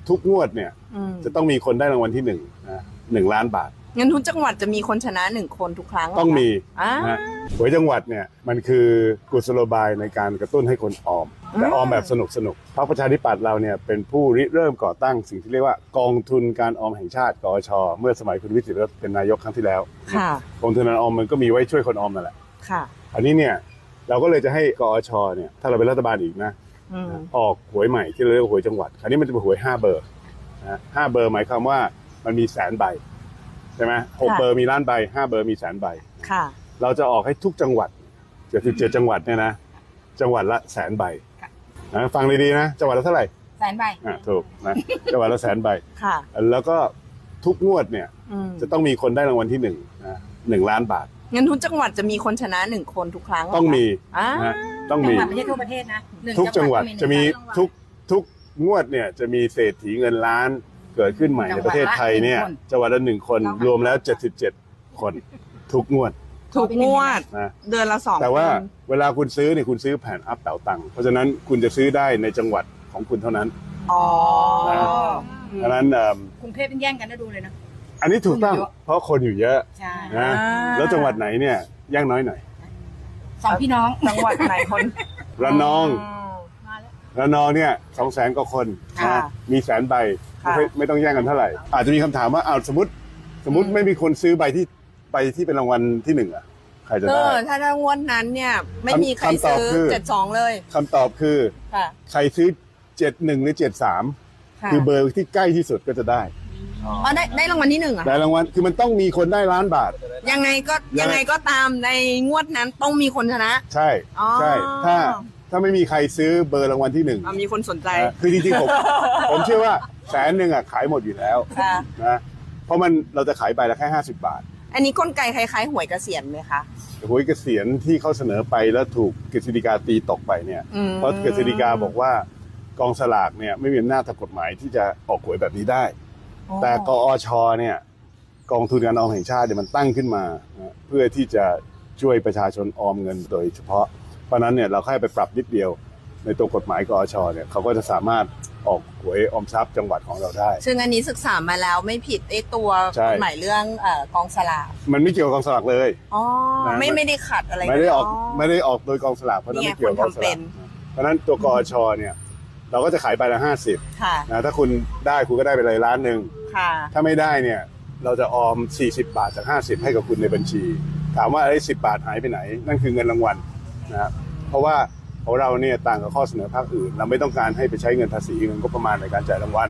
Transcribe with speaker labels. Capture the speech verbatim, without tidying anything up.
Speaker 1: ทุกงวดเนี่ยจะต้องมีคนได้รางวัลที่หนึ่งนะหนึ่งล้านบาท
Speaker 2: งั้นทุกจังหวัดจะมีคนชนะหนึ่งคนทุกครั้ง
Speaker 1: ต้องมี
Speaker 2: อ่า
Speaker 1: นะหวยจังหวัดเนี่ยมันคือกุศโลบายในการกระตุ้นให้คนออมแต่ออมแบบสนุกสนุกพรรคประชาธิปัตย์เราเนี่ยเป็นผู้ริเริ่มก่อตั้งสิ่งที่เรียกว่ากองทุนการออมแห่งชาติกอชเมื่อสมัยคุณวิสิทธิ์เป็นนายกครั้งที่แล้ว
Speaker 2: ค่ะ
Speaker 1: กองทุนการออมมันก็มีไว้ช่วยคนออมนั่นแหละ
Speaker 2: ค่ะ
Speaker 1: อันนี้เนี่ยเราก็เลยจะให้กอชเนี่ยถ้าเราเป็นรัฐบาลอีกนะออกหวยใหม่ที่เราเรียกว่าหวยจังหวัดคราวนี้มันจะเป็นหวยห้าเบอร์นะห้าเบอร์หมายความว่ามันมีแสนใบใช่ไหมหกเบอร์มีล้านใบห้าเบอร์มีแสนใบ
Speaker 2: ค่ะ
Speaker 1: เราจะออกให้ทุกจังหวัดเจ็ดสิบเจ็ดจังหวัดเนี่ยนะจังหวัดละแสนใบนะฟังดีๆนะจังหวัดละเท่าไหร่
Speaker 3: แสนใบ
Speaker 1: อ่าถูกนะจังหวัดละแสนใบ
Speaker 2: ค่ะ
Speaker 1: แล้วก็ทุกงวดเนี่ยจะต้องมีคนได้รางวัลที่หนึ่งนะหนึ่งล้านบาท
Speaker 2: งั้นทุกจังหวัดจะมีคนชนะหนึ่งคนทุกครั้ง
Speaker 1: ต้องมี
Speaker 2: อ่า
Speaker 1: นะต้องมี
Speaker 3: จังหวัดไม่ใช่ทั่วประเทศนะ
Speaker 1: ทุกจังหวัดจะมีทุกทุกงวดเนี่ยจะมีเศรษฐีเงินล้านเกิดขึ้นใหม่ในประเทศไทยเนี่ยจังหวัดละหนึ่งคนรวมแล้วเจ็ดสิบเจ็ดคนทุกงวด
Speaker 2: ทุกงวด
Speaker 1: นะ
Speaker 2: เดือนละสอง
Speaker 1: แต่ว่าเวลาคุณซื้อเนี่ยคุณซื้อแผ่นอัพเต่าตังค์เพราะฉะนั้นคุณจะซื้อได้ในจังหวัดของคุณเท่านั้น
Speaker 2: อ๋อ
Speaker 1: ดังนั้น
Speaker 3: กรุงเทพเป็นแย่งกันได้ดูเลยนะ
Speaker 1: อันนี้ถูกต้องเพราะคนอยู่เยอะนะแล้วจังหวัดไหนเนี่ยย่างน้อยหน่อย
Speaker 3: สองพี่น้อง
Speaker 2: จังหวัดไหนคน
Speaker 1: ระนองระนองเนี่ยสองแสนกว่าคนนะมีแสนใบไม่ไม่ต้องแย่งกันเท่าไหร่อาจจะมีคำถามว่าเอาสมมติสมมติไม่มีคนซื้อใบที่ใบที่เป็นรางวัลที่หนึ่งอ่ะใครจะได้
Speaker 2: ถ้าถ้างวดนั้นเนี่ยไม่มีใครซื้อเจ็ดสองเลย
Speaker 1: คำตอบคือใครซื้อเจ็ดหนึ่งหรือเจ็ดสามคือเบอร์ที่ใกล้ที่สุดก็จะได้
Speaker 2: อ๋อได้ได้รางวัลที่หนึ่งอ่ะ
Speaker 1: ได้รางวัลคือมันต้องมีคนได้ล้านบาท
Speaker 2: ยังไงก็ยังไงก็ตามในงวดนั้นต้องมีคนชนะ
Speaker 1: ใช่ใช่ถ้าถ้าไม่มีใครซื้อเบอร์รางวัลที่หนึ่ง
Speaker 2: มีคนสนใจ
Speaker 1: คือจริงๆผมผมเชื่อว่าแสนหนึ่งอ่ะขายหมดอยู่แล้วนะเพราะมันเราจะขายใบละแค่ห้าสิบบาท
Speaker 2: อันนี้กลไกคล้ายๆหวยเกษียณไหมคะ
Speaker 1: หวยเกษียณที่เขาเสนอไปแล้วถูกกฤษฎีกาตีตกไปเนี่ยเพราะกฤษฎีกาบอกว่ากองสลากเนี่ยไม่มีอำนาจทางกฎหมายที่จะออกหวยแบบนี้ได้แต่กอชเนี่ยกองทุนการออมแห่งชาติเนี่ยมันตั้งขึ้นมาเพื่อที่จะช่วยประชาชนออมเงินโดยเฉพาะเพราะนั้นเนี่ยเราแค่ไปปรับนิดเดียวในตัวกฎหมายกอชเนี่ยเขาก็จะสามารถออกหวยออมทรัพย์จังหวัดของเราได้
Speaker 2: ซึ่งอันนี้ศึกษามาแล้วไม่ผิดไอ้ตัวกฎหมายเรื่องกองสลาก
Speaker 1: มันไม่เกี่ยวกับกองสลากเลย
Speaker 2: อ๋อไม่ไม่ได้ขัดอะไร
Speaker 1: ไม่ได้ออกไม่ได้ออกโดยกองสลากเพราะนั้นไม่เกี่ยวกับกองสลากเพราะนั้นตัวกอชเนี่ยเราก็จะขายใบละห้าสิบนะถ้าคุณได้คุณก็ได้ไปเลยล้านหนึ่งถ้าไม่ได้เนี่ยเราจะออมสี่สิบบาทจากห้าสิบให้กับคุณในบัญชีถามว่าไอ้สิบบาทหายไปไหนนั่นคือเงินรางวัลนะครับเพราะว่าของเราเนี่ยต่างกับข้อเสนอภาคอื่นเราไม่ต้องการให้ไปใช้เงินภาษีเงินงบประมาณในการจ่ายรางวัล